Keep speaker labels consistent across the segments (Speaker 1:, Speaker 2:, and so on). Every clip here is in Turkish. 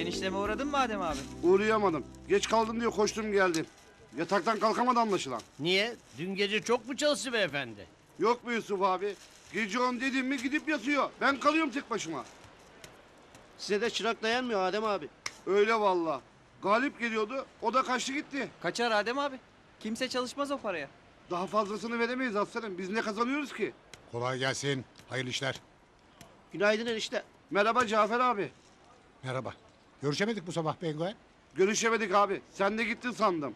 Speaker 1: Enişteme uğradın mı Adem abi?
Speaker 2: Uğrayamadım. Geç kaldım diye koştum geldim. Yataktan kalkamadı anlaşılan.
Speaker 3: Niye? Dün gece çok mu çalıştı beyefendi?
Speaker 2: Yok mu Yusuf abi? Gece 10 dedim mi gidip yatıyor. Ben kalıyorum tek başıma.
Speaker 4: Size de çırak dayanmıyor Adem abi.
Speaker 2: Öyle valla. Galip geliyordu. O da kaçtı gitti.
Speaker 1: Kaçar Adem abi. Kimse çalışmaz o paraya.
Speaker 2: Daha fazlasını veremeyiz aslanım. Biz ne kazanıyoruz ki?
Speaker 5: Kolay gelsin. Hayırlı işler.
Speaker 4: Günaydın enişte.
Speaker 2: Merhaba Cafer abi.
Speaker 5: Merhaba. Görüşemedik bu sabah Penguen.
Speaker 2: Görüşemedik abi. Sen de gittin sandım.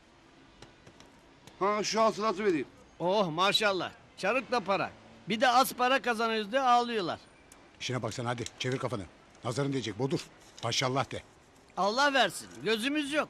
Speaker 2: Ha şu hasılatı vereyim.
Speaker 3: Oh maşallah. Çarıkla para. Bir de az para kazanıyoruz diye ağlıyorlar.
Speaker 5: İşine baksana hadi. Çevir kafanı. Nazarın diyecek bodur. Maşallah de.
Speaker 3: Allah versin. Gözümüz yok.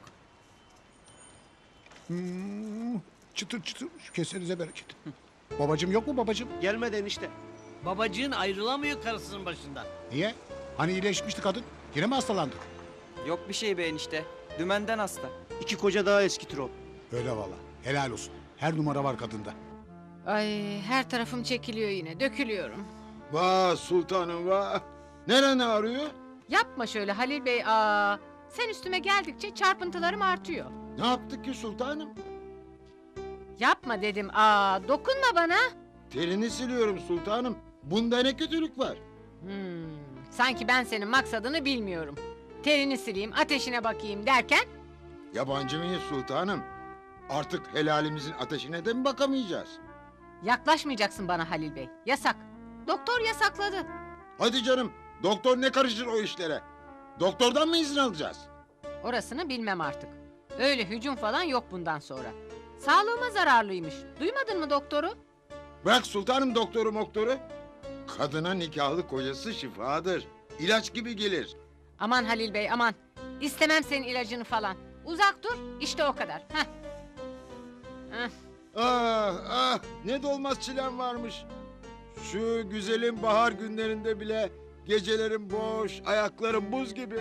Speaker 5: Çıtır çıtır. Şu kesenize bereket. Babacım yok mu babacım?
Speaker 4: Gelmedi enişte.
Speaker 3: Babacığın ayrılamıyor karısının başından.
Speaker 5: Niye? Hani iyileşmişti kadın. Yine mi hastalandı?
Speaker 1: Yok bir şey be enişte. Dümenden hasta.
Speaker 4: 2 koca daha eskitir o.
Speaker 5: Öyle valla. Helal olsun. Her numara var kadında.
Speaker 6: Ay her tarafım çekiliyor yine. Dökülüyorum.
Speaker 7: Vah sultanım vah. Neren ağrıyor?
Speaker 6: Yapma şöyle Halil Bey. Aa, sen üstüme geldikçe çarpıntılarım artıyor.
Speaker 7: Ne yaptık ki sultanım?
Speaker 6: Yapma dedim. Aa, dokunma bana.
Speaker 7: Terini siliyorum sultanım. Bunda ne kötülük var?
Speaker 6: Sanki ben senin maksadını bilmiyorum. Terini sileyim, ateşine bakayım derken
Speaker 7: Yabancı mıyız sultanım? Artık helalimizin ateşine de mi bakamayacağız?
Speaker 6: yaklaşmayacaksın bana Halil Bey. Yasak. Doktor yasakladı.
Speaker 7: Hadi canım. Doktor ne karışır o işlere? Doktordan mı izin alacağız?
Speaker 6: Orasını bilmem artık. Öyle hücum falan yok bundan sonra. Sağlığıma zararlıymış. Duymadın mı doktoru?
Speaker 7: Bırak sultanım doktoru. Kadına nikahlı kocası şifadır. İlaç gibi gelir.
Speaker 6: Aman Halil Bey aman. İstemem senin ilacını falan. Uzak dur, işte o kadar. Heh. Heh.
Speaker 7: Ah ne dolmaz çilem varmış. Şu güzelim bahar günlerinde bile gecelerim boş, ayaklarım buz gibi.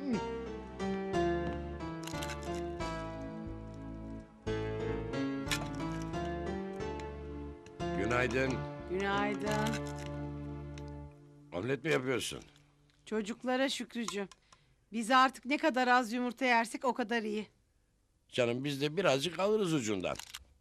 Speaker 8: Günaydın.
Speaker 9: Günaydın.
Speaker 8: Omlet mi yapıyorsun?
Speaker 9: Çocuklara Şükrücüğüm. Biz artık ne kadar az yumurta yersek o kadar iyi.
Speaker 8: Canım biz de birazcık alırız ucundan.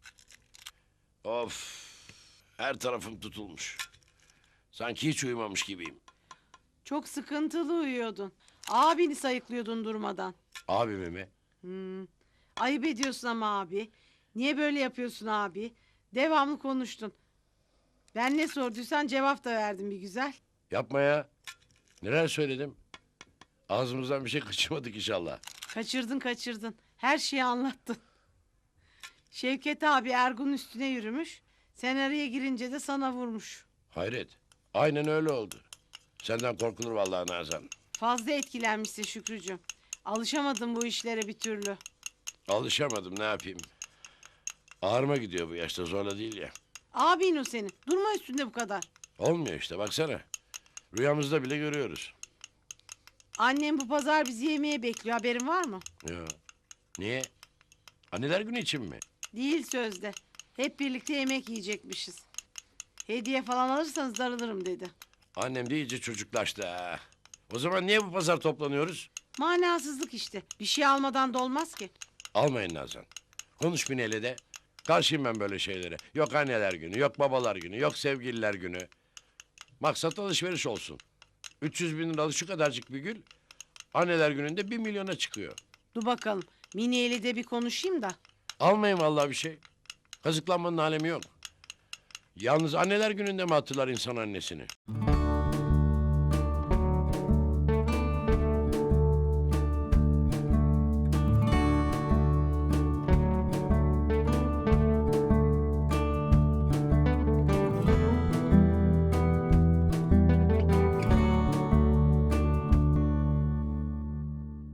Speaker 8: Of. Her tarafım tutulmuş. Sanki hiç uyumamış gibiyim.
Speaker 9: Çok sıkıntılı uyuyordun. Abini sayıklıyordun durmadan.
Speaker 8: Abimi mi?
Speaker 9: Ayıp ediyorsun ama abi. Niye böyle yapıyorsun abi? Devamlı konuştun. Ben ne sorduysan cevap da verdim bir güzel.
Speaker 8: Yapma ya. Neler söyledim? Ağzımızdan bir şey kaçırmadık inşallah.
Speaker 9: Kaçırdın. Her şeyi anlattın. Şevket abi Ergun'un üstüne yürümüş. Sen araya girince de sana vurmuş.
Speaker 8: Hayret. Aynen öyle oldu. Senden korkulur vallahi Nazan.
Speaker 9: Fazla etkilenmişsin Şükrücüğüm. Alışamadım bu işlere bir türlü.
Speaker 8: Alışamadım ne yapayım. Ağrıma gidiyor bu yaşta zorla değil ya.
Speaker 9: Abin o senin. Durma üstünde bu kadar.
Speaker 8: Olmuyor işte baksana. Rüyamızda bile görüyoruz.
Speaker 9: Annem bu pazar bizi yemeğe bekliyor. Haberin var mı?
Speaker 8: Ya. Niye? Anneler günü için mi?
Speaker 9: Değil sözde. Hep birlikte yemek yiyecekmişiz. Hediye falan alırsanız darılırım dedi.
Speaker 8: Annem de iyice çocuklaştı ha. O zaman niye bu pazar toplanıyoruz?
Speaker 9: Manasızlık işte. Bir şey almadan da olmaz ki.
Speaker 8: Almayın Nazan. Konuş Mine'yle de. Karşıyım ben böyle şeylere. Yok anneler günü, yok babalar günü, yok sevgililer günü. Maksat alışveriş olsun. 300 bin liralık şu kadarcık bir gül... ...anneler gününde 1 milyona çıkıyor.
Speaker 9: Dur bakalım. Mine ile de bir konuşayım da.
Speaker 8: Almayın vallahi bir şey. Kazıklanmanın alemi yok. Yalnız anneler gününde mi hatırlar insan annesini?